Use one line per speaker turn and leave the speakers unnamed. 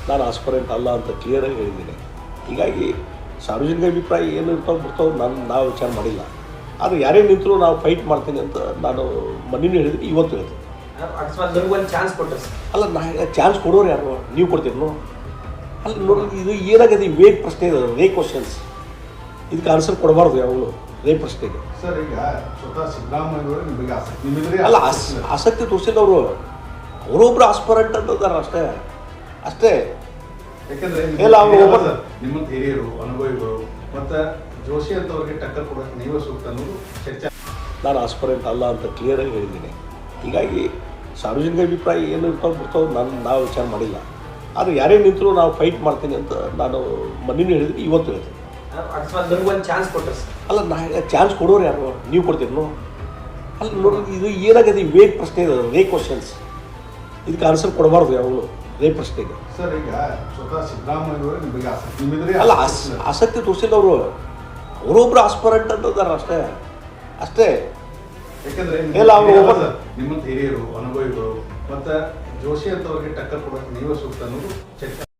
ನಾನು ಆಸ್ಪರೆಂಟ್ ಅಲ್ಲ ಅಂತ ಕ್ಲಿಯರಾಗಿ ಹೇಳಿದ್ದೀನಿ. ಹೀಗಾಗಿ ಸಾರ್ವಜನಿಕ ಅಭಿಪ್ರಾಯ ಏನು ಇರ್ತಾವೆ ಬಿಡ್ತಾವೆ ನಾವು ವಿಚಾರ ಮಾಡಿಲ್ಲ. ಆದರೆ ಯಾರೇ ನಿಂತರೂ ನಾವು ಫೈಟ್ ಮಾಡ್ತೀನಿ ಅಂತ ನಾನು ಮೊನ್ನೆನೂ ಹೇಳಿದ್ದೀನಿ, ಇವತ್ತು ಹೇಳ್ತೀನಿ.
ಅಕಸ್ಮಾತ್ ನಿಮ್ಗೆ ಒಂದು ಚಾನ್ಸ್ ಕೊಟ್ಟರೆ
ಅಲ್ಲ, ಚಾನ್ಸ್ ಕೊಡೋರು ಯಾರು? ನೀವು ಕೊಡ್ತೀರಿ? ಅಲ್ಲ ನೋಡಿ, ಇದು ಏನಾಗಿದೆ, ವೇಗ್ ಪ್ರಶ್ನೆ ಇದೆ, ವೇಗ್ ಕ್ವಶನ್ಸ್. ಇದಕ್ಕೆ ಆನ್ಸರ್ ಕೊಡಬಾರ್ದು ಯಾವಾಗಲೂ ವೇಗ್ ಪ್ರಶ್ನೆಗೆ.
ಸರ್, ಈಗ ಸ್ವತಃ ಸಿದ್ದರಾಮಯ್ಯವರು ನಿಮಗೆ ಆಸಕ್ತಿ
ಅಲ್ಲ, ಆಸಕ್ತಿ ತೋರಿಸಿದವರು ಅವರೊಬ್ಬರು ಆಸ್ಪರೆಂಟ್ ಅಂತಂದಾರೆ ಅಷ್ಟೇ.
ಯಾಕಂದ್ರೆ
ಇಲ್ಲ, ಅವರು
ನಿಮ್ಮಂತ ಹಿರಿಯರು, ಅನುಭವಿಗಳು ಮತ್ತು ಜೋಶಿ ಅಂತವ್ರಿಗೆ ಟಕ್ಕರ್ ಕೊಡೋಕೆ ನೀವೇ ಸೂಕ್ತ ಅನ್ನೋದು ಚರ್ಚೆ.
ನಾನು ಆಸ್ಪರೆಂಟ್ ಅಲ್ಲ ಅಂತ ಕ್ಲಿಯರಾಗಿ ಹೇಳಿದ್ದೀನಿ. ಹೀಗಾಗಿ ಸಾರ್ವಜನಿಕ ಅಭಿಪ್ರಾಯ ಏನು ಇರ್ತಾವೆ ಬಿಡ್ತಾವೆ ನಾವು ವಿಚಾರ ಮಾಡಿಲ್ಲ. ಆದರೆ ಯಾರೇ ನಿಂತರೂ ನಾವು ಫೈಟ್ ಮಾಡ್ತೀನಿ ಅಂತ ನಾನು ಮೊನ್ನೆನೂ ಹೇಳಿದ್ದೀನಿ, ಇವತ್ತು ಹೇಳ್ತೀನಿ.
ಅಕಸ್ಮಾತ್ ನಿಮ್ಗೆ ಒಂದು ಚಾನ್ಸ್ ಕೊಟ್ಟರೆ
ಅಲ್ಲ, ಚಾನ್ಸ್ ಕೊಡೋರು ಯಾರು? ನೀವು ಕೊಡ್ತೀರಿ? ಅಲ್ಲ ನೋಡಿ, ಇದು ಏನಾಗಿದೆ, ವೇಗ್ ಪ್ರಶ್ನೆ ಇದೆ, ವೇಗ್ ಕ್ವಶನ್ಸ್. ಇದಕ್ಕೆ ಆನ್ಸರ್ ಕೊಡಬಾರ್ದು ಯಾವಾಗಲೂ ವೇಗ್ ಪ್ರಶ್ನೆಗೆ.
ಸರ್, ಈಗ ಸ್ವತಃ ಸಿದ್ದರಾಮಯ್ಯವರು ನಿಮಗೆ ಆಸಕ್ತಿ
ಅಲ್ಲ, ಆಸಕ್ತಿ ತೋರಿಸಿದವರು ಅವರೊಬ್ಬರು ಆಸ್ಪರೆಂಟ್ ಅಂತಂದಾರೆ ಅಷ್ಟೇ.
ಯಾಕಂದ್ರೆ
ಇಲ್ಲ, ಅವರು
ನಿಮ್ಮಂತ ಹಿರಿಯರು, ಅನುಭವಿಗಳು ಮತ್ತು ಜೋಶಿ ಅಂತವ್ರಿಗೆ ಟಕ್ಕರ್ ಕೊಡೋಕೆ ನೀವೇ ಸೂಕ್ತ ಅನ್ನೋದು ಚರ್ಚೆ.